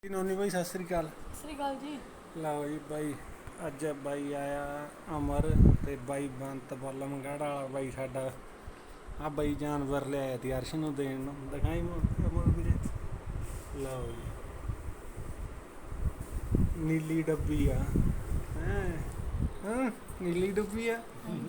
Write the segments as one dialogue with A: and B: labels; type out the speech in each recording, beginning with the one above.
A: ਨੋਨੀ ਬਾਈ ਸਤਿ ਸ੍ਰੀ ਅਕਾਲ।
B: ਸਤਿ ਸ੍ਰੀ ਅਕਾਲ ਜੀ।
A: ਲਓ ਜੀ ਬਾਈ, ਅੱਜ ਬਾਈ ਆਇਆ ਅਮਰ ਤੇ ਬਾਈ ਬੰਤ ਬਲਮਗੜ੍ਹ ਵਾਲਾ ਬਾਈ ਸਾਡਾ। ਆ ਬਾਈ ਜਾਨਵਰ ਲਿਆਇਆ ਤੀ ਅਰਸ਼ ਨੂੰ ਦੇਣ ਨੂੰ, ਦਿਖਾਈ ਅਮਰ ਵੀਰੇ। ਲਓ ਜੀ ਨੀਲੀ ਡੱਬੀ ਆ। ਹਾਂ ਨੀਲੀ ਡੱਬੀ ਆ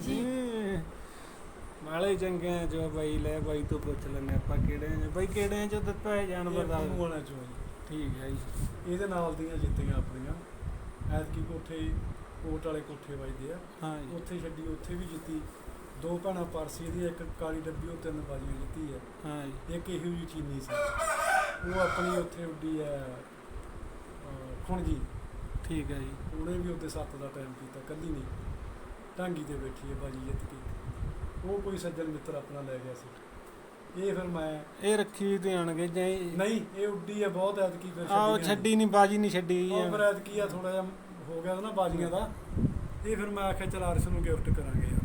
A: ਨਾਲੇ ਚੰਗਿਆਂ ਚੋ ਬਾਈ। ਲੈ ਬਾਈ ਤੋਂ ਪੁੱਛ ਲੈਂਦੇ ਆਪਾਂ ਕਿਹੜੇ ਬਾਈ, ਕਿਹੜਿਆਂ ਚੋਂ ਦਿੱਤਾ ਹੈ ਜਾਨਵਰ ਦਾ? ਠੀਕ ਹੈ ਜੀ।
C: ਇਹਦੇ ਨਾਲ ਦੀਆਂ ਜਿੱਤੀਆਂ ਆਪਣੀਆਂ ਐਤਕੀ ਕੋਠੇ ਕੋਟ ਵਾਲੇ ਕੋਠੇ ਵੱਜਦੇ ਆ।
A: ਹਾਂ ਜੀ।
C: ਉੱਥੇ ਛੱਡੀ, ਉੱਥੇ ਵੀ ਜਿੱਤੀ। ਦੋ ਭੈਣਾਂ ਪਰਸੀ ਦੀ, ਇੱਕ ਕਾਲੀ ਡੱਬੀ, ਉਹ 3 ਬਾਜ਼ੀਆਂ ਜਿੱਤੀ ਹੈ।
A: ਹਾਂ ਜੀ।
C: ਇੱਕ ਇਹੋ ਜਿਹੀ ਚੀਨੀ ਸੀ, ਉਹ ਆਪਣੀ ਉੱਥੇ ਉੱਡੀ ਹੈ ਖੁਣਜੀ।
A: ਠੀਕ ਹੈ ਜੀ।
C: ਉਹਨੇ ਵੀ ਉੱਤੇ 7 ਦਾ ਟਾਈਮ ਕੀਤਾ, ਕੱਲੀ ਨਹੀਂ ਢਾਂਗੀ ਤੇ ਬੈਠੀ ਹੈ ਬਾਜੀ ਜਿੱਤ ਕੇ। ਉਹ ਕੋਈ ਸੱਜਣ ਮਿੱਤਰ ਆਪਣਾ ਲੈ ਗਿਆ ਸੀ। ਇਹ ਫਿਰ ਮੈਂ
A: ਇਹ ਰੱਖੀ ਧਿਆਨਗੇ ਜਾਈ
C: ਨਹੀਂ, ਇਹ ਉੱਡੀ ਹੈ ਬਹੁਤ ਐਤਕੀ। ਫਿਰ
A: ਆਹ ਛੱਡੀ ਨਹੀਂ, ਬਾਜੀ ਨਹੀਂ ਛੱਡੀ
C: ਉਹ ਫਿਰ ਐਤਕੀ ਆ ਥੋੜਾ ਜਿਹਾ ਹੋ ਗਿਆ ਨਾ ਬਾਜੀਆਂ ਦਾ। ਇਹ ਫਿਰ ਮੈਂ ਆਖਿਆ ਚਲ ਅਰਸ਼ ਨੂੰ ਗਿਫਟ ਕਰਾਂਗੇ ਯਾਰ।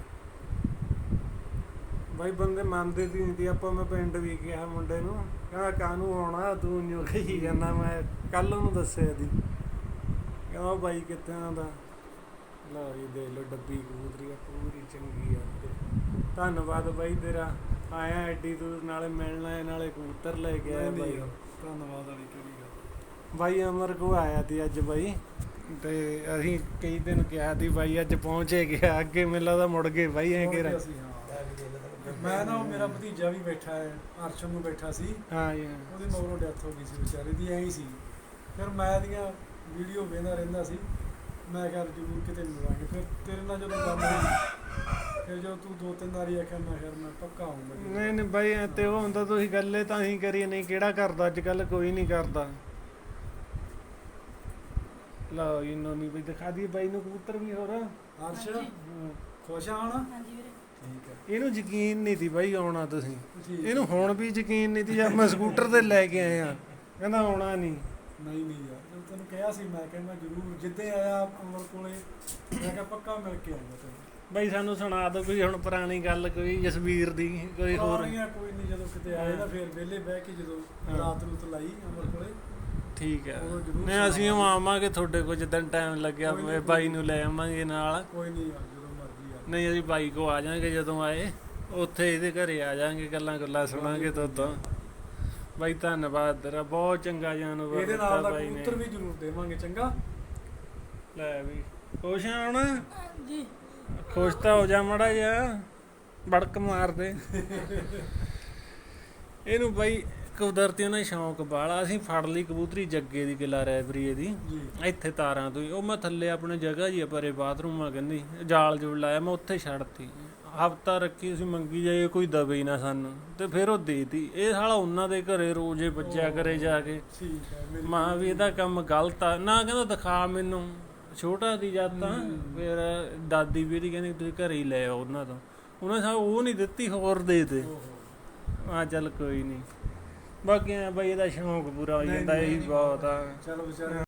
A: ਬਾਈ ਬੰਦੇ ਮੰਨਦੇ ਸੀ ਨਹੀਂ ਆਪਾਂ। ਮੈਂ ਪਿੰਡ ਵੀ ਕਿਹਾ ਮੁੰਡੇ ਨੂੰ, ਕਹਿੰਦਾ ਕਾਹਨੂੰ ਆਉਣਾ ਤੂੰ ਨਿਉ ਕਹੀ ਜਾਂਦਾ। ਮੈਂ ਕੱਲ ਉਹਨੂੰ ਦੱਸਿਆ ਦੀ, ਕਹਿੰਦਾ ਬਾਈ ਕਿੱਥੇ ਆਉਂਦਾ। ਲਓ ਜੀ ਦੇਖ ਲਓ ਡੱਬੀ ਕਬੂਤਰੀ ਆ, ਪੂਰੀ ਚੰਗੀ ਆ। ਤੇ ਧੰਨਵਾਦ ਬਾਈ ਤੇਰਾ, ਆਇਆ ਐਡੀ ਦੂਰ, ਨਾਲੇ ਮਿਲਣਾ ਹੈ ਨਾਲੇ ਕਬੂਤਰ ਲੈ ਕੇ ਆਇਆ ਬਾਈ।
C: ਧੰਨਵਾਦ ਵਾਲੀ ਕਿਹੜੀ ਗੱਲ।
A: ਬਾਈ ਅਮਰ ਕੋ ਆਇਆ ਤੀ ਅੱਜ ਬਾਈ, ਤੇ ਅਸੀਂ ਕਈ ਦਿਨ ਕਿਹਾ ਤੀ ਬਾਈ ਅੱਜ ਪਹੁੰਚੇ ਗਿਆ। ਅੱਗੇ ਮੈਨੂੰ ਲੱਗਦਾ ਮੁੜ ਗਏ ਬਾਈ ਐਂ ਕਿ
C: ਮੈਂ ਨਾ, ਉਹ ਮੇਰਾ ਭਤੀਜਾ ਵੀ ਬੈਠਾ ਹੈ, ਅਰਸ਼ਨ ਨੂੰ ਬੈਠਾ ਸੀ।
A: ਹਾਂ ਜੀ।
C: ਉਹਦੀ ਮਗਰੋਂ ਡੈਥ ਹੋ ਗਈ ਸੀ ਵਿਚਾਰੇ ਦੀ, ਐਂ ਹੀ ਸੀ। ਫਿਰ ਮੈਂ ਇਹਦੀਆਂ ਵੀਡੀਓ ਵੇਖਦਾ ਰਹਿੰਦਾ ਸੀ। ਮੈਂ ਕਿਹਾ ਜ਼ਰੂਰ ਕਿਤੇ ਮਿਲਾਂਗੇ। ਫਿਰ ਤੇਰੇ ਨਾਲ ਜਦੋਂ ਗੱਲ ਹੋਈ, ਫਿਰ ਜਦੋਂ ਤੂੰ 2-3 ਵਾਰੀ ਆਖਿਆ, ਮੈਂ ਫਿਰ ਮੈਂ ਪੱਕਾ ਆਊਂਗਾ।
A: ਨਹੀਂ ਬਾਈ ਤੇ ਉਹ ਹੁੰਦਾ ਤੁਸੀਂ ਗੱਲੇ ਤਾਂ ਹੀ ਕਰੀਏ, ਨਹੀਂ ਕਿਹੜਾ ਕਰਦਾ ਅੱਜ ਕੱਲ, ਕੋਈ ਨਹੀਂ ਕਰਦਾ। ਲਓ ਜੀ ਨੋਨੀ ਬਈ ਦਿਖਾ ਦਈਏ ਬਾਈ ਨੂੰ ਕਬੂਤਰ ਵੀ। ਹੋਰ
C: ਅਰਸ਼ ਖੁਸ਼ ਆ ਹੁਣ?
B: ਹਾਂਜੀ ਵੀਰੇ।
C: ਠੀਕ ਹੈ।
A: ਇਹਨੂੰ ਯਕੀਨ ਨਹੀਂ ਸੀ ਬਾਈ ਆਉਣਾ ਤੁਸੀਂ,
C: ਠੀਕ।
A: ਇਹਨੂੰ ਹੁਣ ਵੀ ਯਕੀਨ ਨਹੀਂ ਸੀ ਜਦ ਮੈਂ ਸਕੂਟਰ ਤੇ ਲੈ ਕੇ ਆਇਆ, ਕਹਿੰਦਾ ਆਉਣਾ ਨਹੀਂ।
C: ਨਹੀਂ ਯਾਰ, ਜਦੋਂ ਤੈਨੂੰ ਕਿਹਾ ਸੀ ਮੈਂ ਕਿਹਾ ਮੈਂ ਜ਼ਰੂਰ ਜਿੱਦੇ ਆਇਆ ਅਮਰ ਕੋਲੇ, ਮੈਂ ਕਿਹਾ ਪੱਕਾ ਮਿਲ ਕੇ ਆਊਂਗਾ ਤੈਨੂੰ।
A: ਬਾਈ ਸਾਨੂੰ ਸੁਣਾ ਦਿਓ ਕੋਈ ਹੁਣ ਪੁਰਾਣੀ ਗੱਲ, ਕੋਈ ਜਸਵੀਰ ਦੀ, ਕੋਈ ਹੋਰ।
C: ਕੋਈ ਨਹੀਂ, ਜਦੋਂ ਕਿਤੇ ਆਏ ਨਾ ਫਿਰ ਵਿਹਲੇ ਬਹਿ ਕੇ ਜਦੋਂ ਰਾਤ ਰੂਤ ਲਾਈ ਅਮਰ ਕੋਲੇ।
A: ਠੀਕ ਹੈ।
C: ਉਦੋਂ ਜ਼ਰੂਰ
A: ਨਹੀਂ ਅਸੀਂ ਆਵਾਂਗੇ ਤੁਹਾਡੇ ਕੋਲ ਜਿੱਦਣ ਟਾਈਮ ਲੱਗਿਆ, ਬਾਈ ਨੂੰ ਲੈ ਆਵਾਂਗੇ ਨਾਲ।
C: ਕੋਈ ਨਹੀਂ ਯਾਰ, ਜਦੋਂ ਮਰਜ਼ੀ ਆ।
A: ਨਹੀਂ ਅਸੀਂ ਬਾਈ ਕੋ ਆ ਜਾਾਂਗੇ, ਜਦੋਂ ਆਏ ਉੱਥੇ ਇਹਦੇ ਘਰੇ ਆ ਜਾਾਂਗੇ, ਗੱਲਾਂ ਸੁਣਾਂਗੇ ਤੋਂ। ਬਾਈ ਧੰਨਵਾਦ ਤੇਰਾ, ਬਹੁਤ ਚੰਗਾ ਜਾਨਵਰ
C: ਇਹਦੇ ਨਾਲ ਦਾ ਕਬੂਤਰ ਵੀ ਜ਼ਰੂਰ ਦੇਵਾਂਗੇ। ਚੰਗਾ
A: ਲੈ ਵੀ ਖੁਸ਼ ਆ ਹੁਣ?
B: ਜੀ
A: ਖੁਸ਼ ਤਾਂ ਹੋ ਜਾ ਮਾੜਾ ਜਿਹਾ, ਬੜਕ ਮਾਰ ਦੇ ਇਹਨੂੰ। ਬਾਈ ਕੁਦਰਤੀ ਉਹਨਾਂ ਸ਼ੌਂਕ ਬਾਲਾ, ਅਸੀਂ ਫੜ ਲਈ ਕਬੂਤਰੀ ਜੱਗੇ ਦੀ, ਕਿਲਾ ਰੈਬਰੀਏ ਦੀ, ਇੱਥੇ ਤਾਰਾਂ ਤੋਂ ਹੀ। ਉਹ ਮੈਂ ਥੱਲੇ ਆਪਣੇ ਜਗ੍ਹਾ ਜੀ ਪਰੇ ਬਾਥਰੂਮ ਆ, ਕਹਿੰਦੀ ਜਾਲ ਜੁਲ ਲਾਇਆ, ਮੈਂ ਉੱਥੇ ਛੱਡਤੀ। ਹਫ਼ਤਾ ਰੱਖੀ, ਅਸੀਂ ਮੰਗੀ ਜਾਈਏ, ਕੋਈ ਦਵੇ ਹੀ ਨਾ ਸਾਨੂੰ, ਤੇ ਫਿਰ ਉਹ ਦੇਤੀ। ਇਹ ਸਾਲਾ ਉਹਨਾਂ ਦੇ ਘਰੇ ਰੋਜ਼ੇ ਬੱਚਿਆ ਕਰੇ ਜਾ ਕੇ। ਮਾਂ ਵੀ ਇਹਦਾ ਕੰਮ ਗਲਤ ਆ ਨਾ, ਕਹਿੰਦਾ ਦਿਖਾ ਮੈਨੂੰ। ਛੋਟਾ ਦੀ ਜਦ ਤਾਂ ਫਿਰ ਦਾਦੀ ਵੀ ਇਹਦੀ ਕਹਿੰਦੀ ਤੁਸੀਂ ਘਰੇ ਹੀ ਲੈ ਆਓ ਉਹਨਾਂ ਤੋਂ। ਉਹਨੇ ਉਹ ਨਹੀਂ ਦਿੱਤੀ, ਹੋਰ ਦੇ ਤੇ। ਹਾਂ ਚੱਲ ਕੋਈ ਨਹੀਂ, ਬਾਕੀ ਬਾਈ ਇਹਦਾ ਸ਼ੌਂਕ ਪੂਰਾ ਹੋ ਜਾਂਦਾ, ਇਹੀ ਬਹੁਤ ਆ।
C: ਚਲੋ ਵਿਚਾਰੇ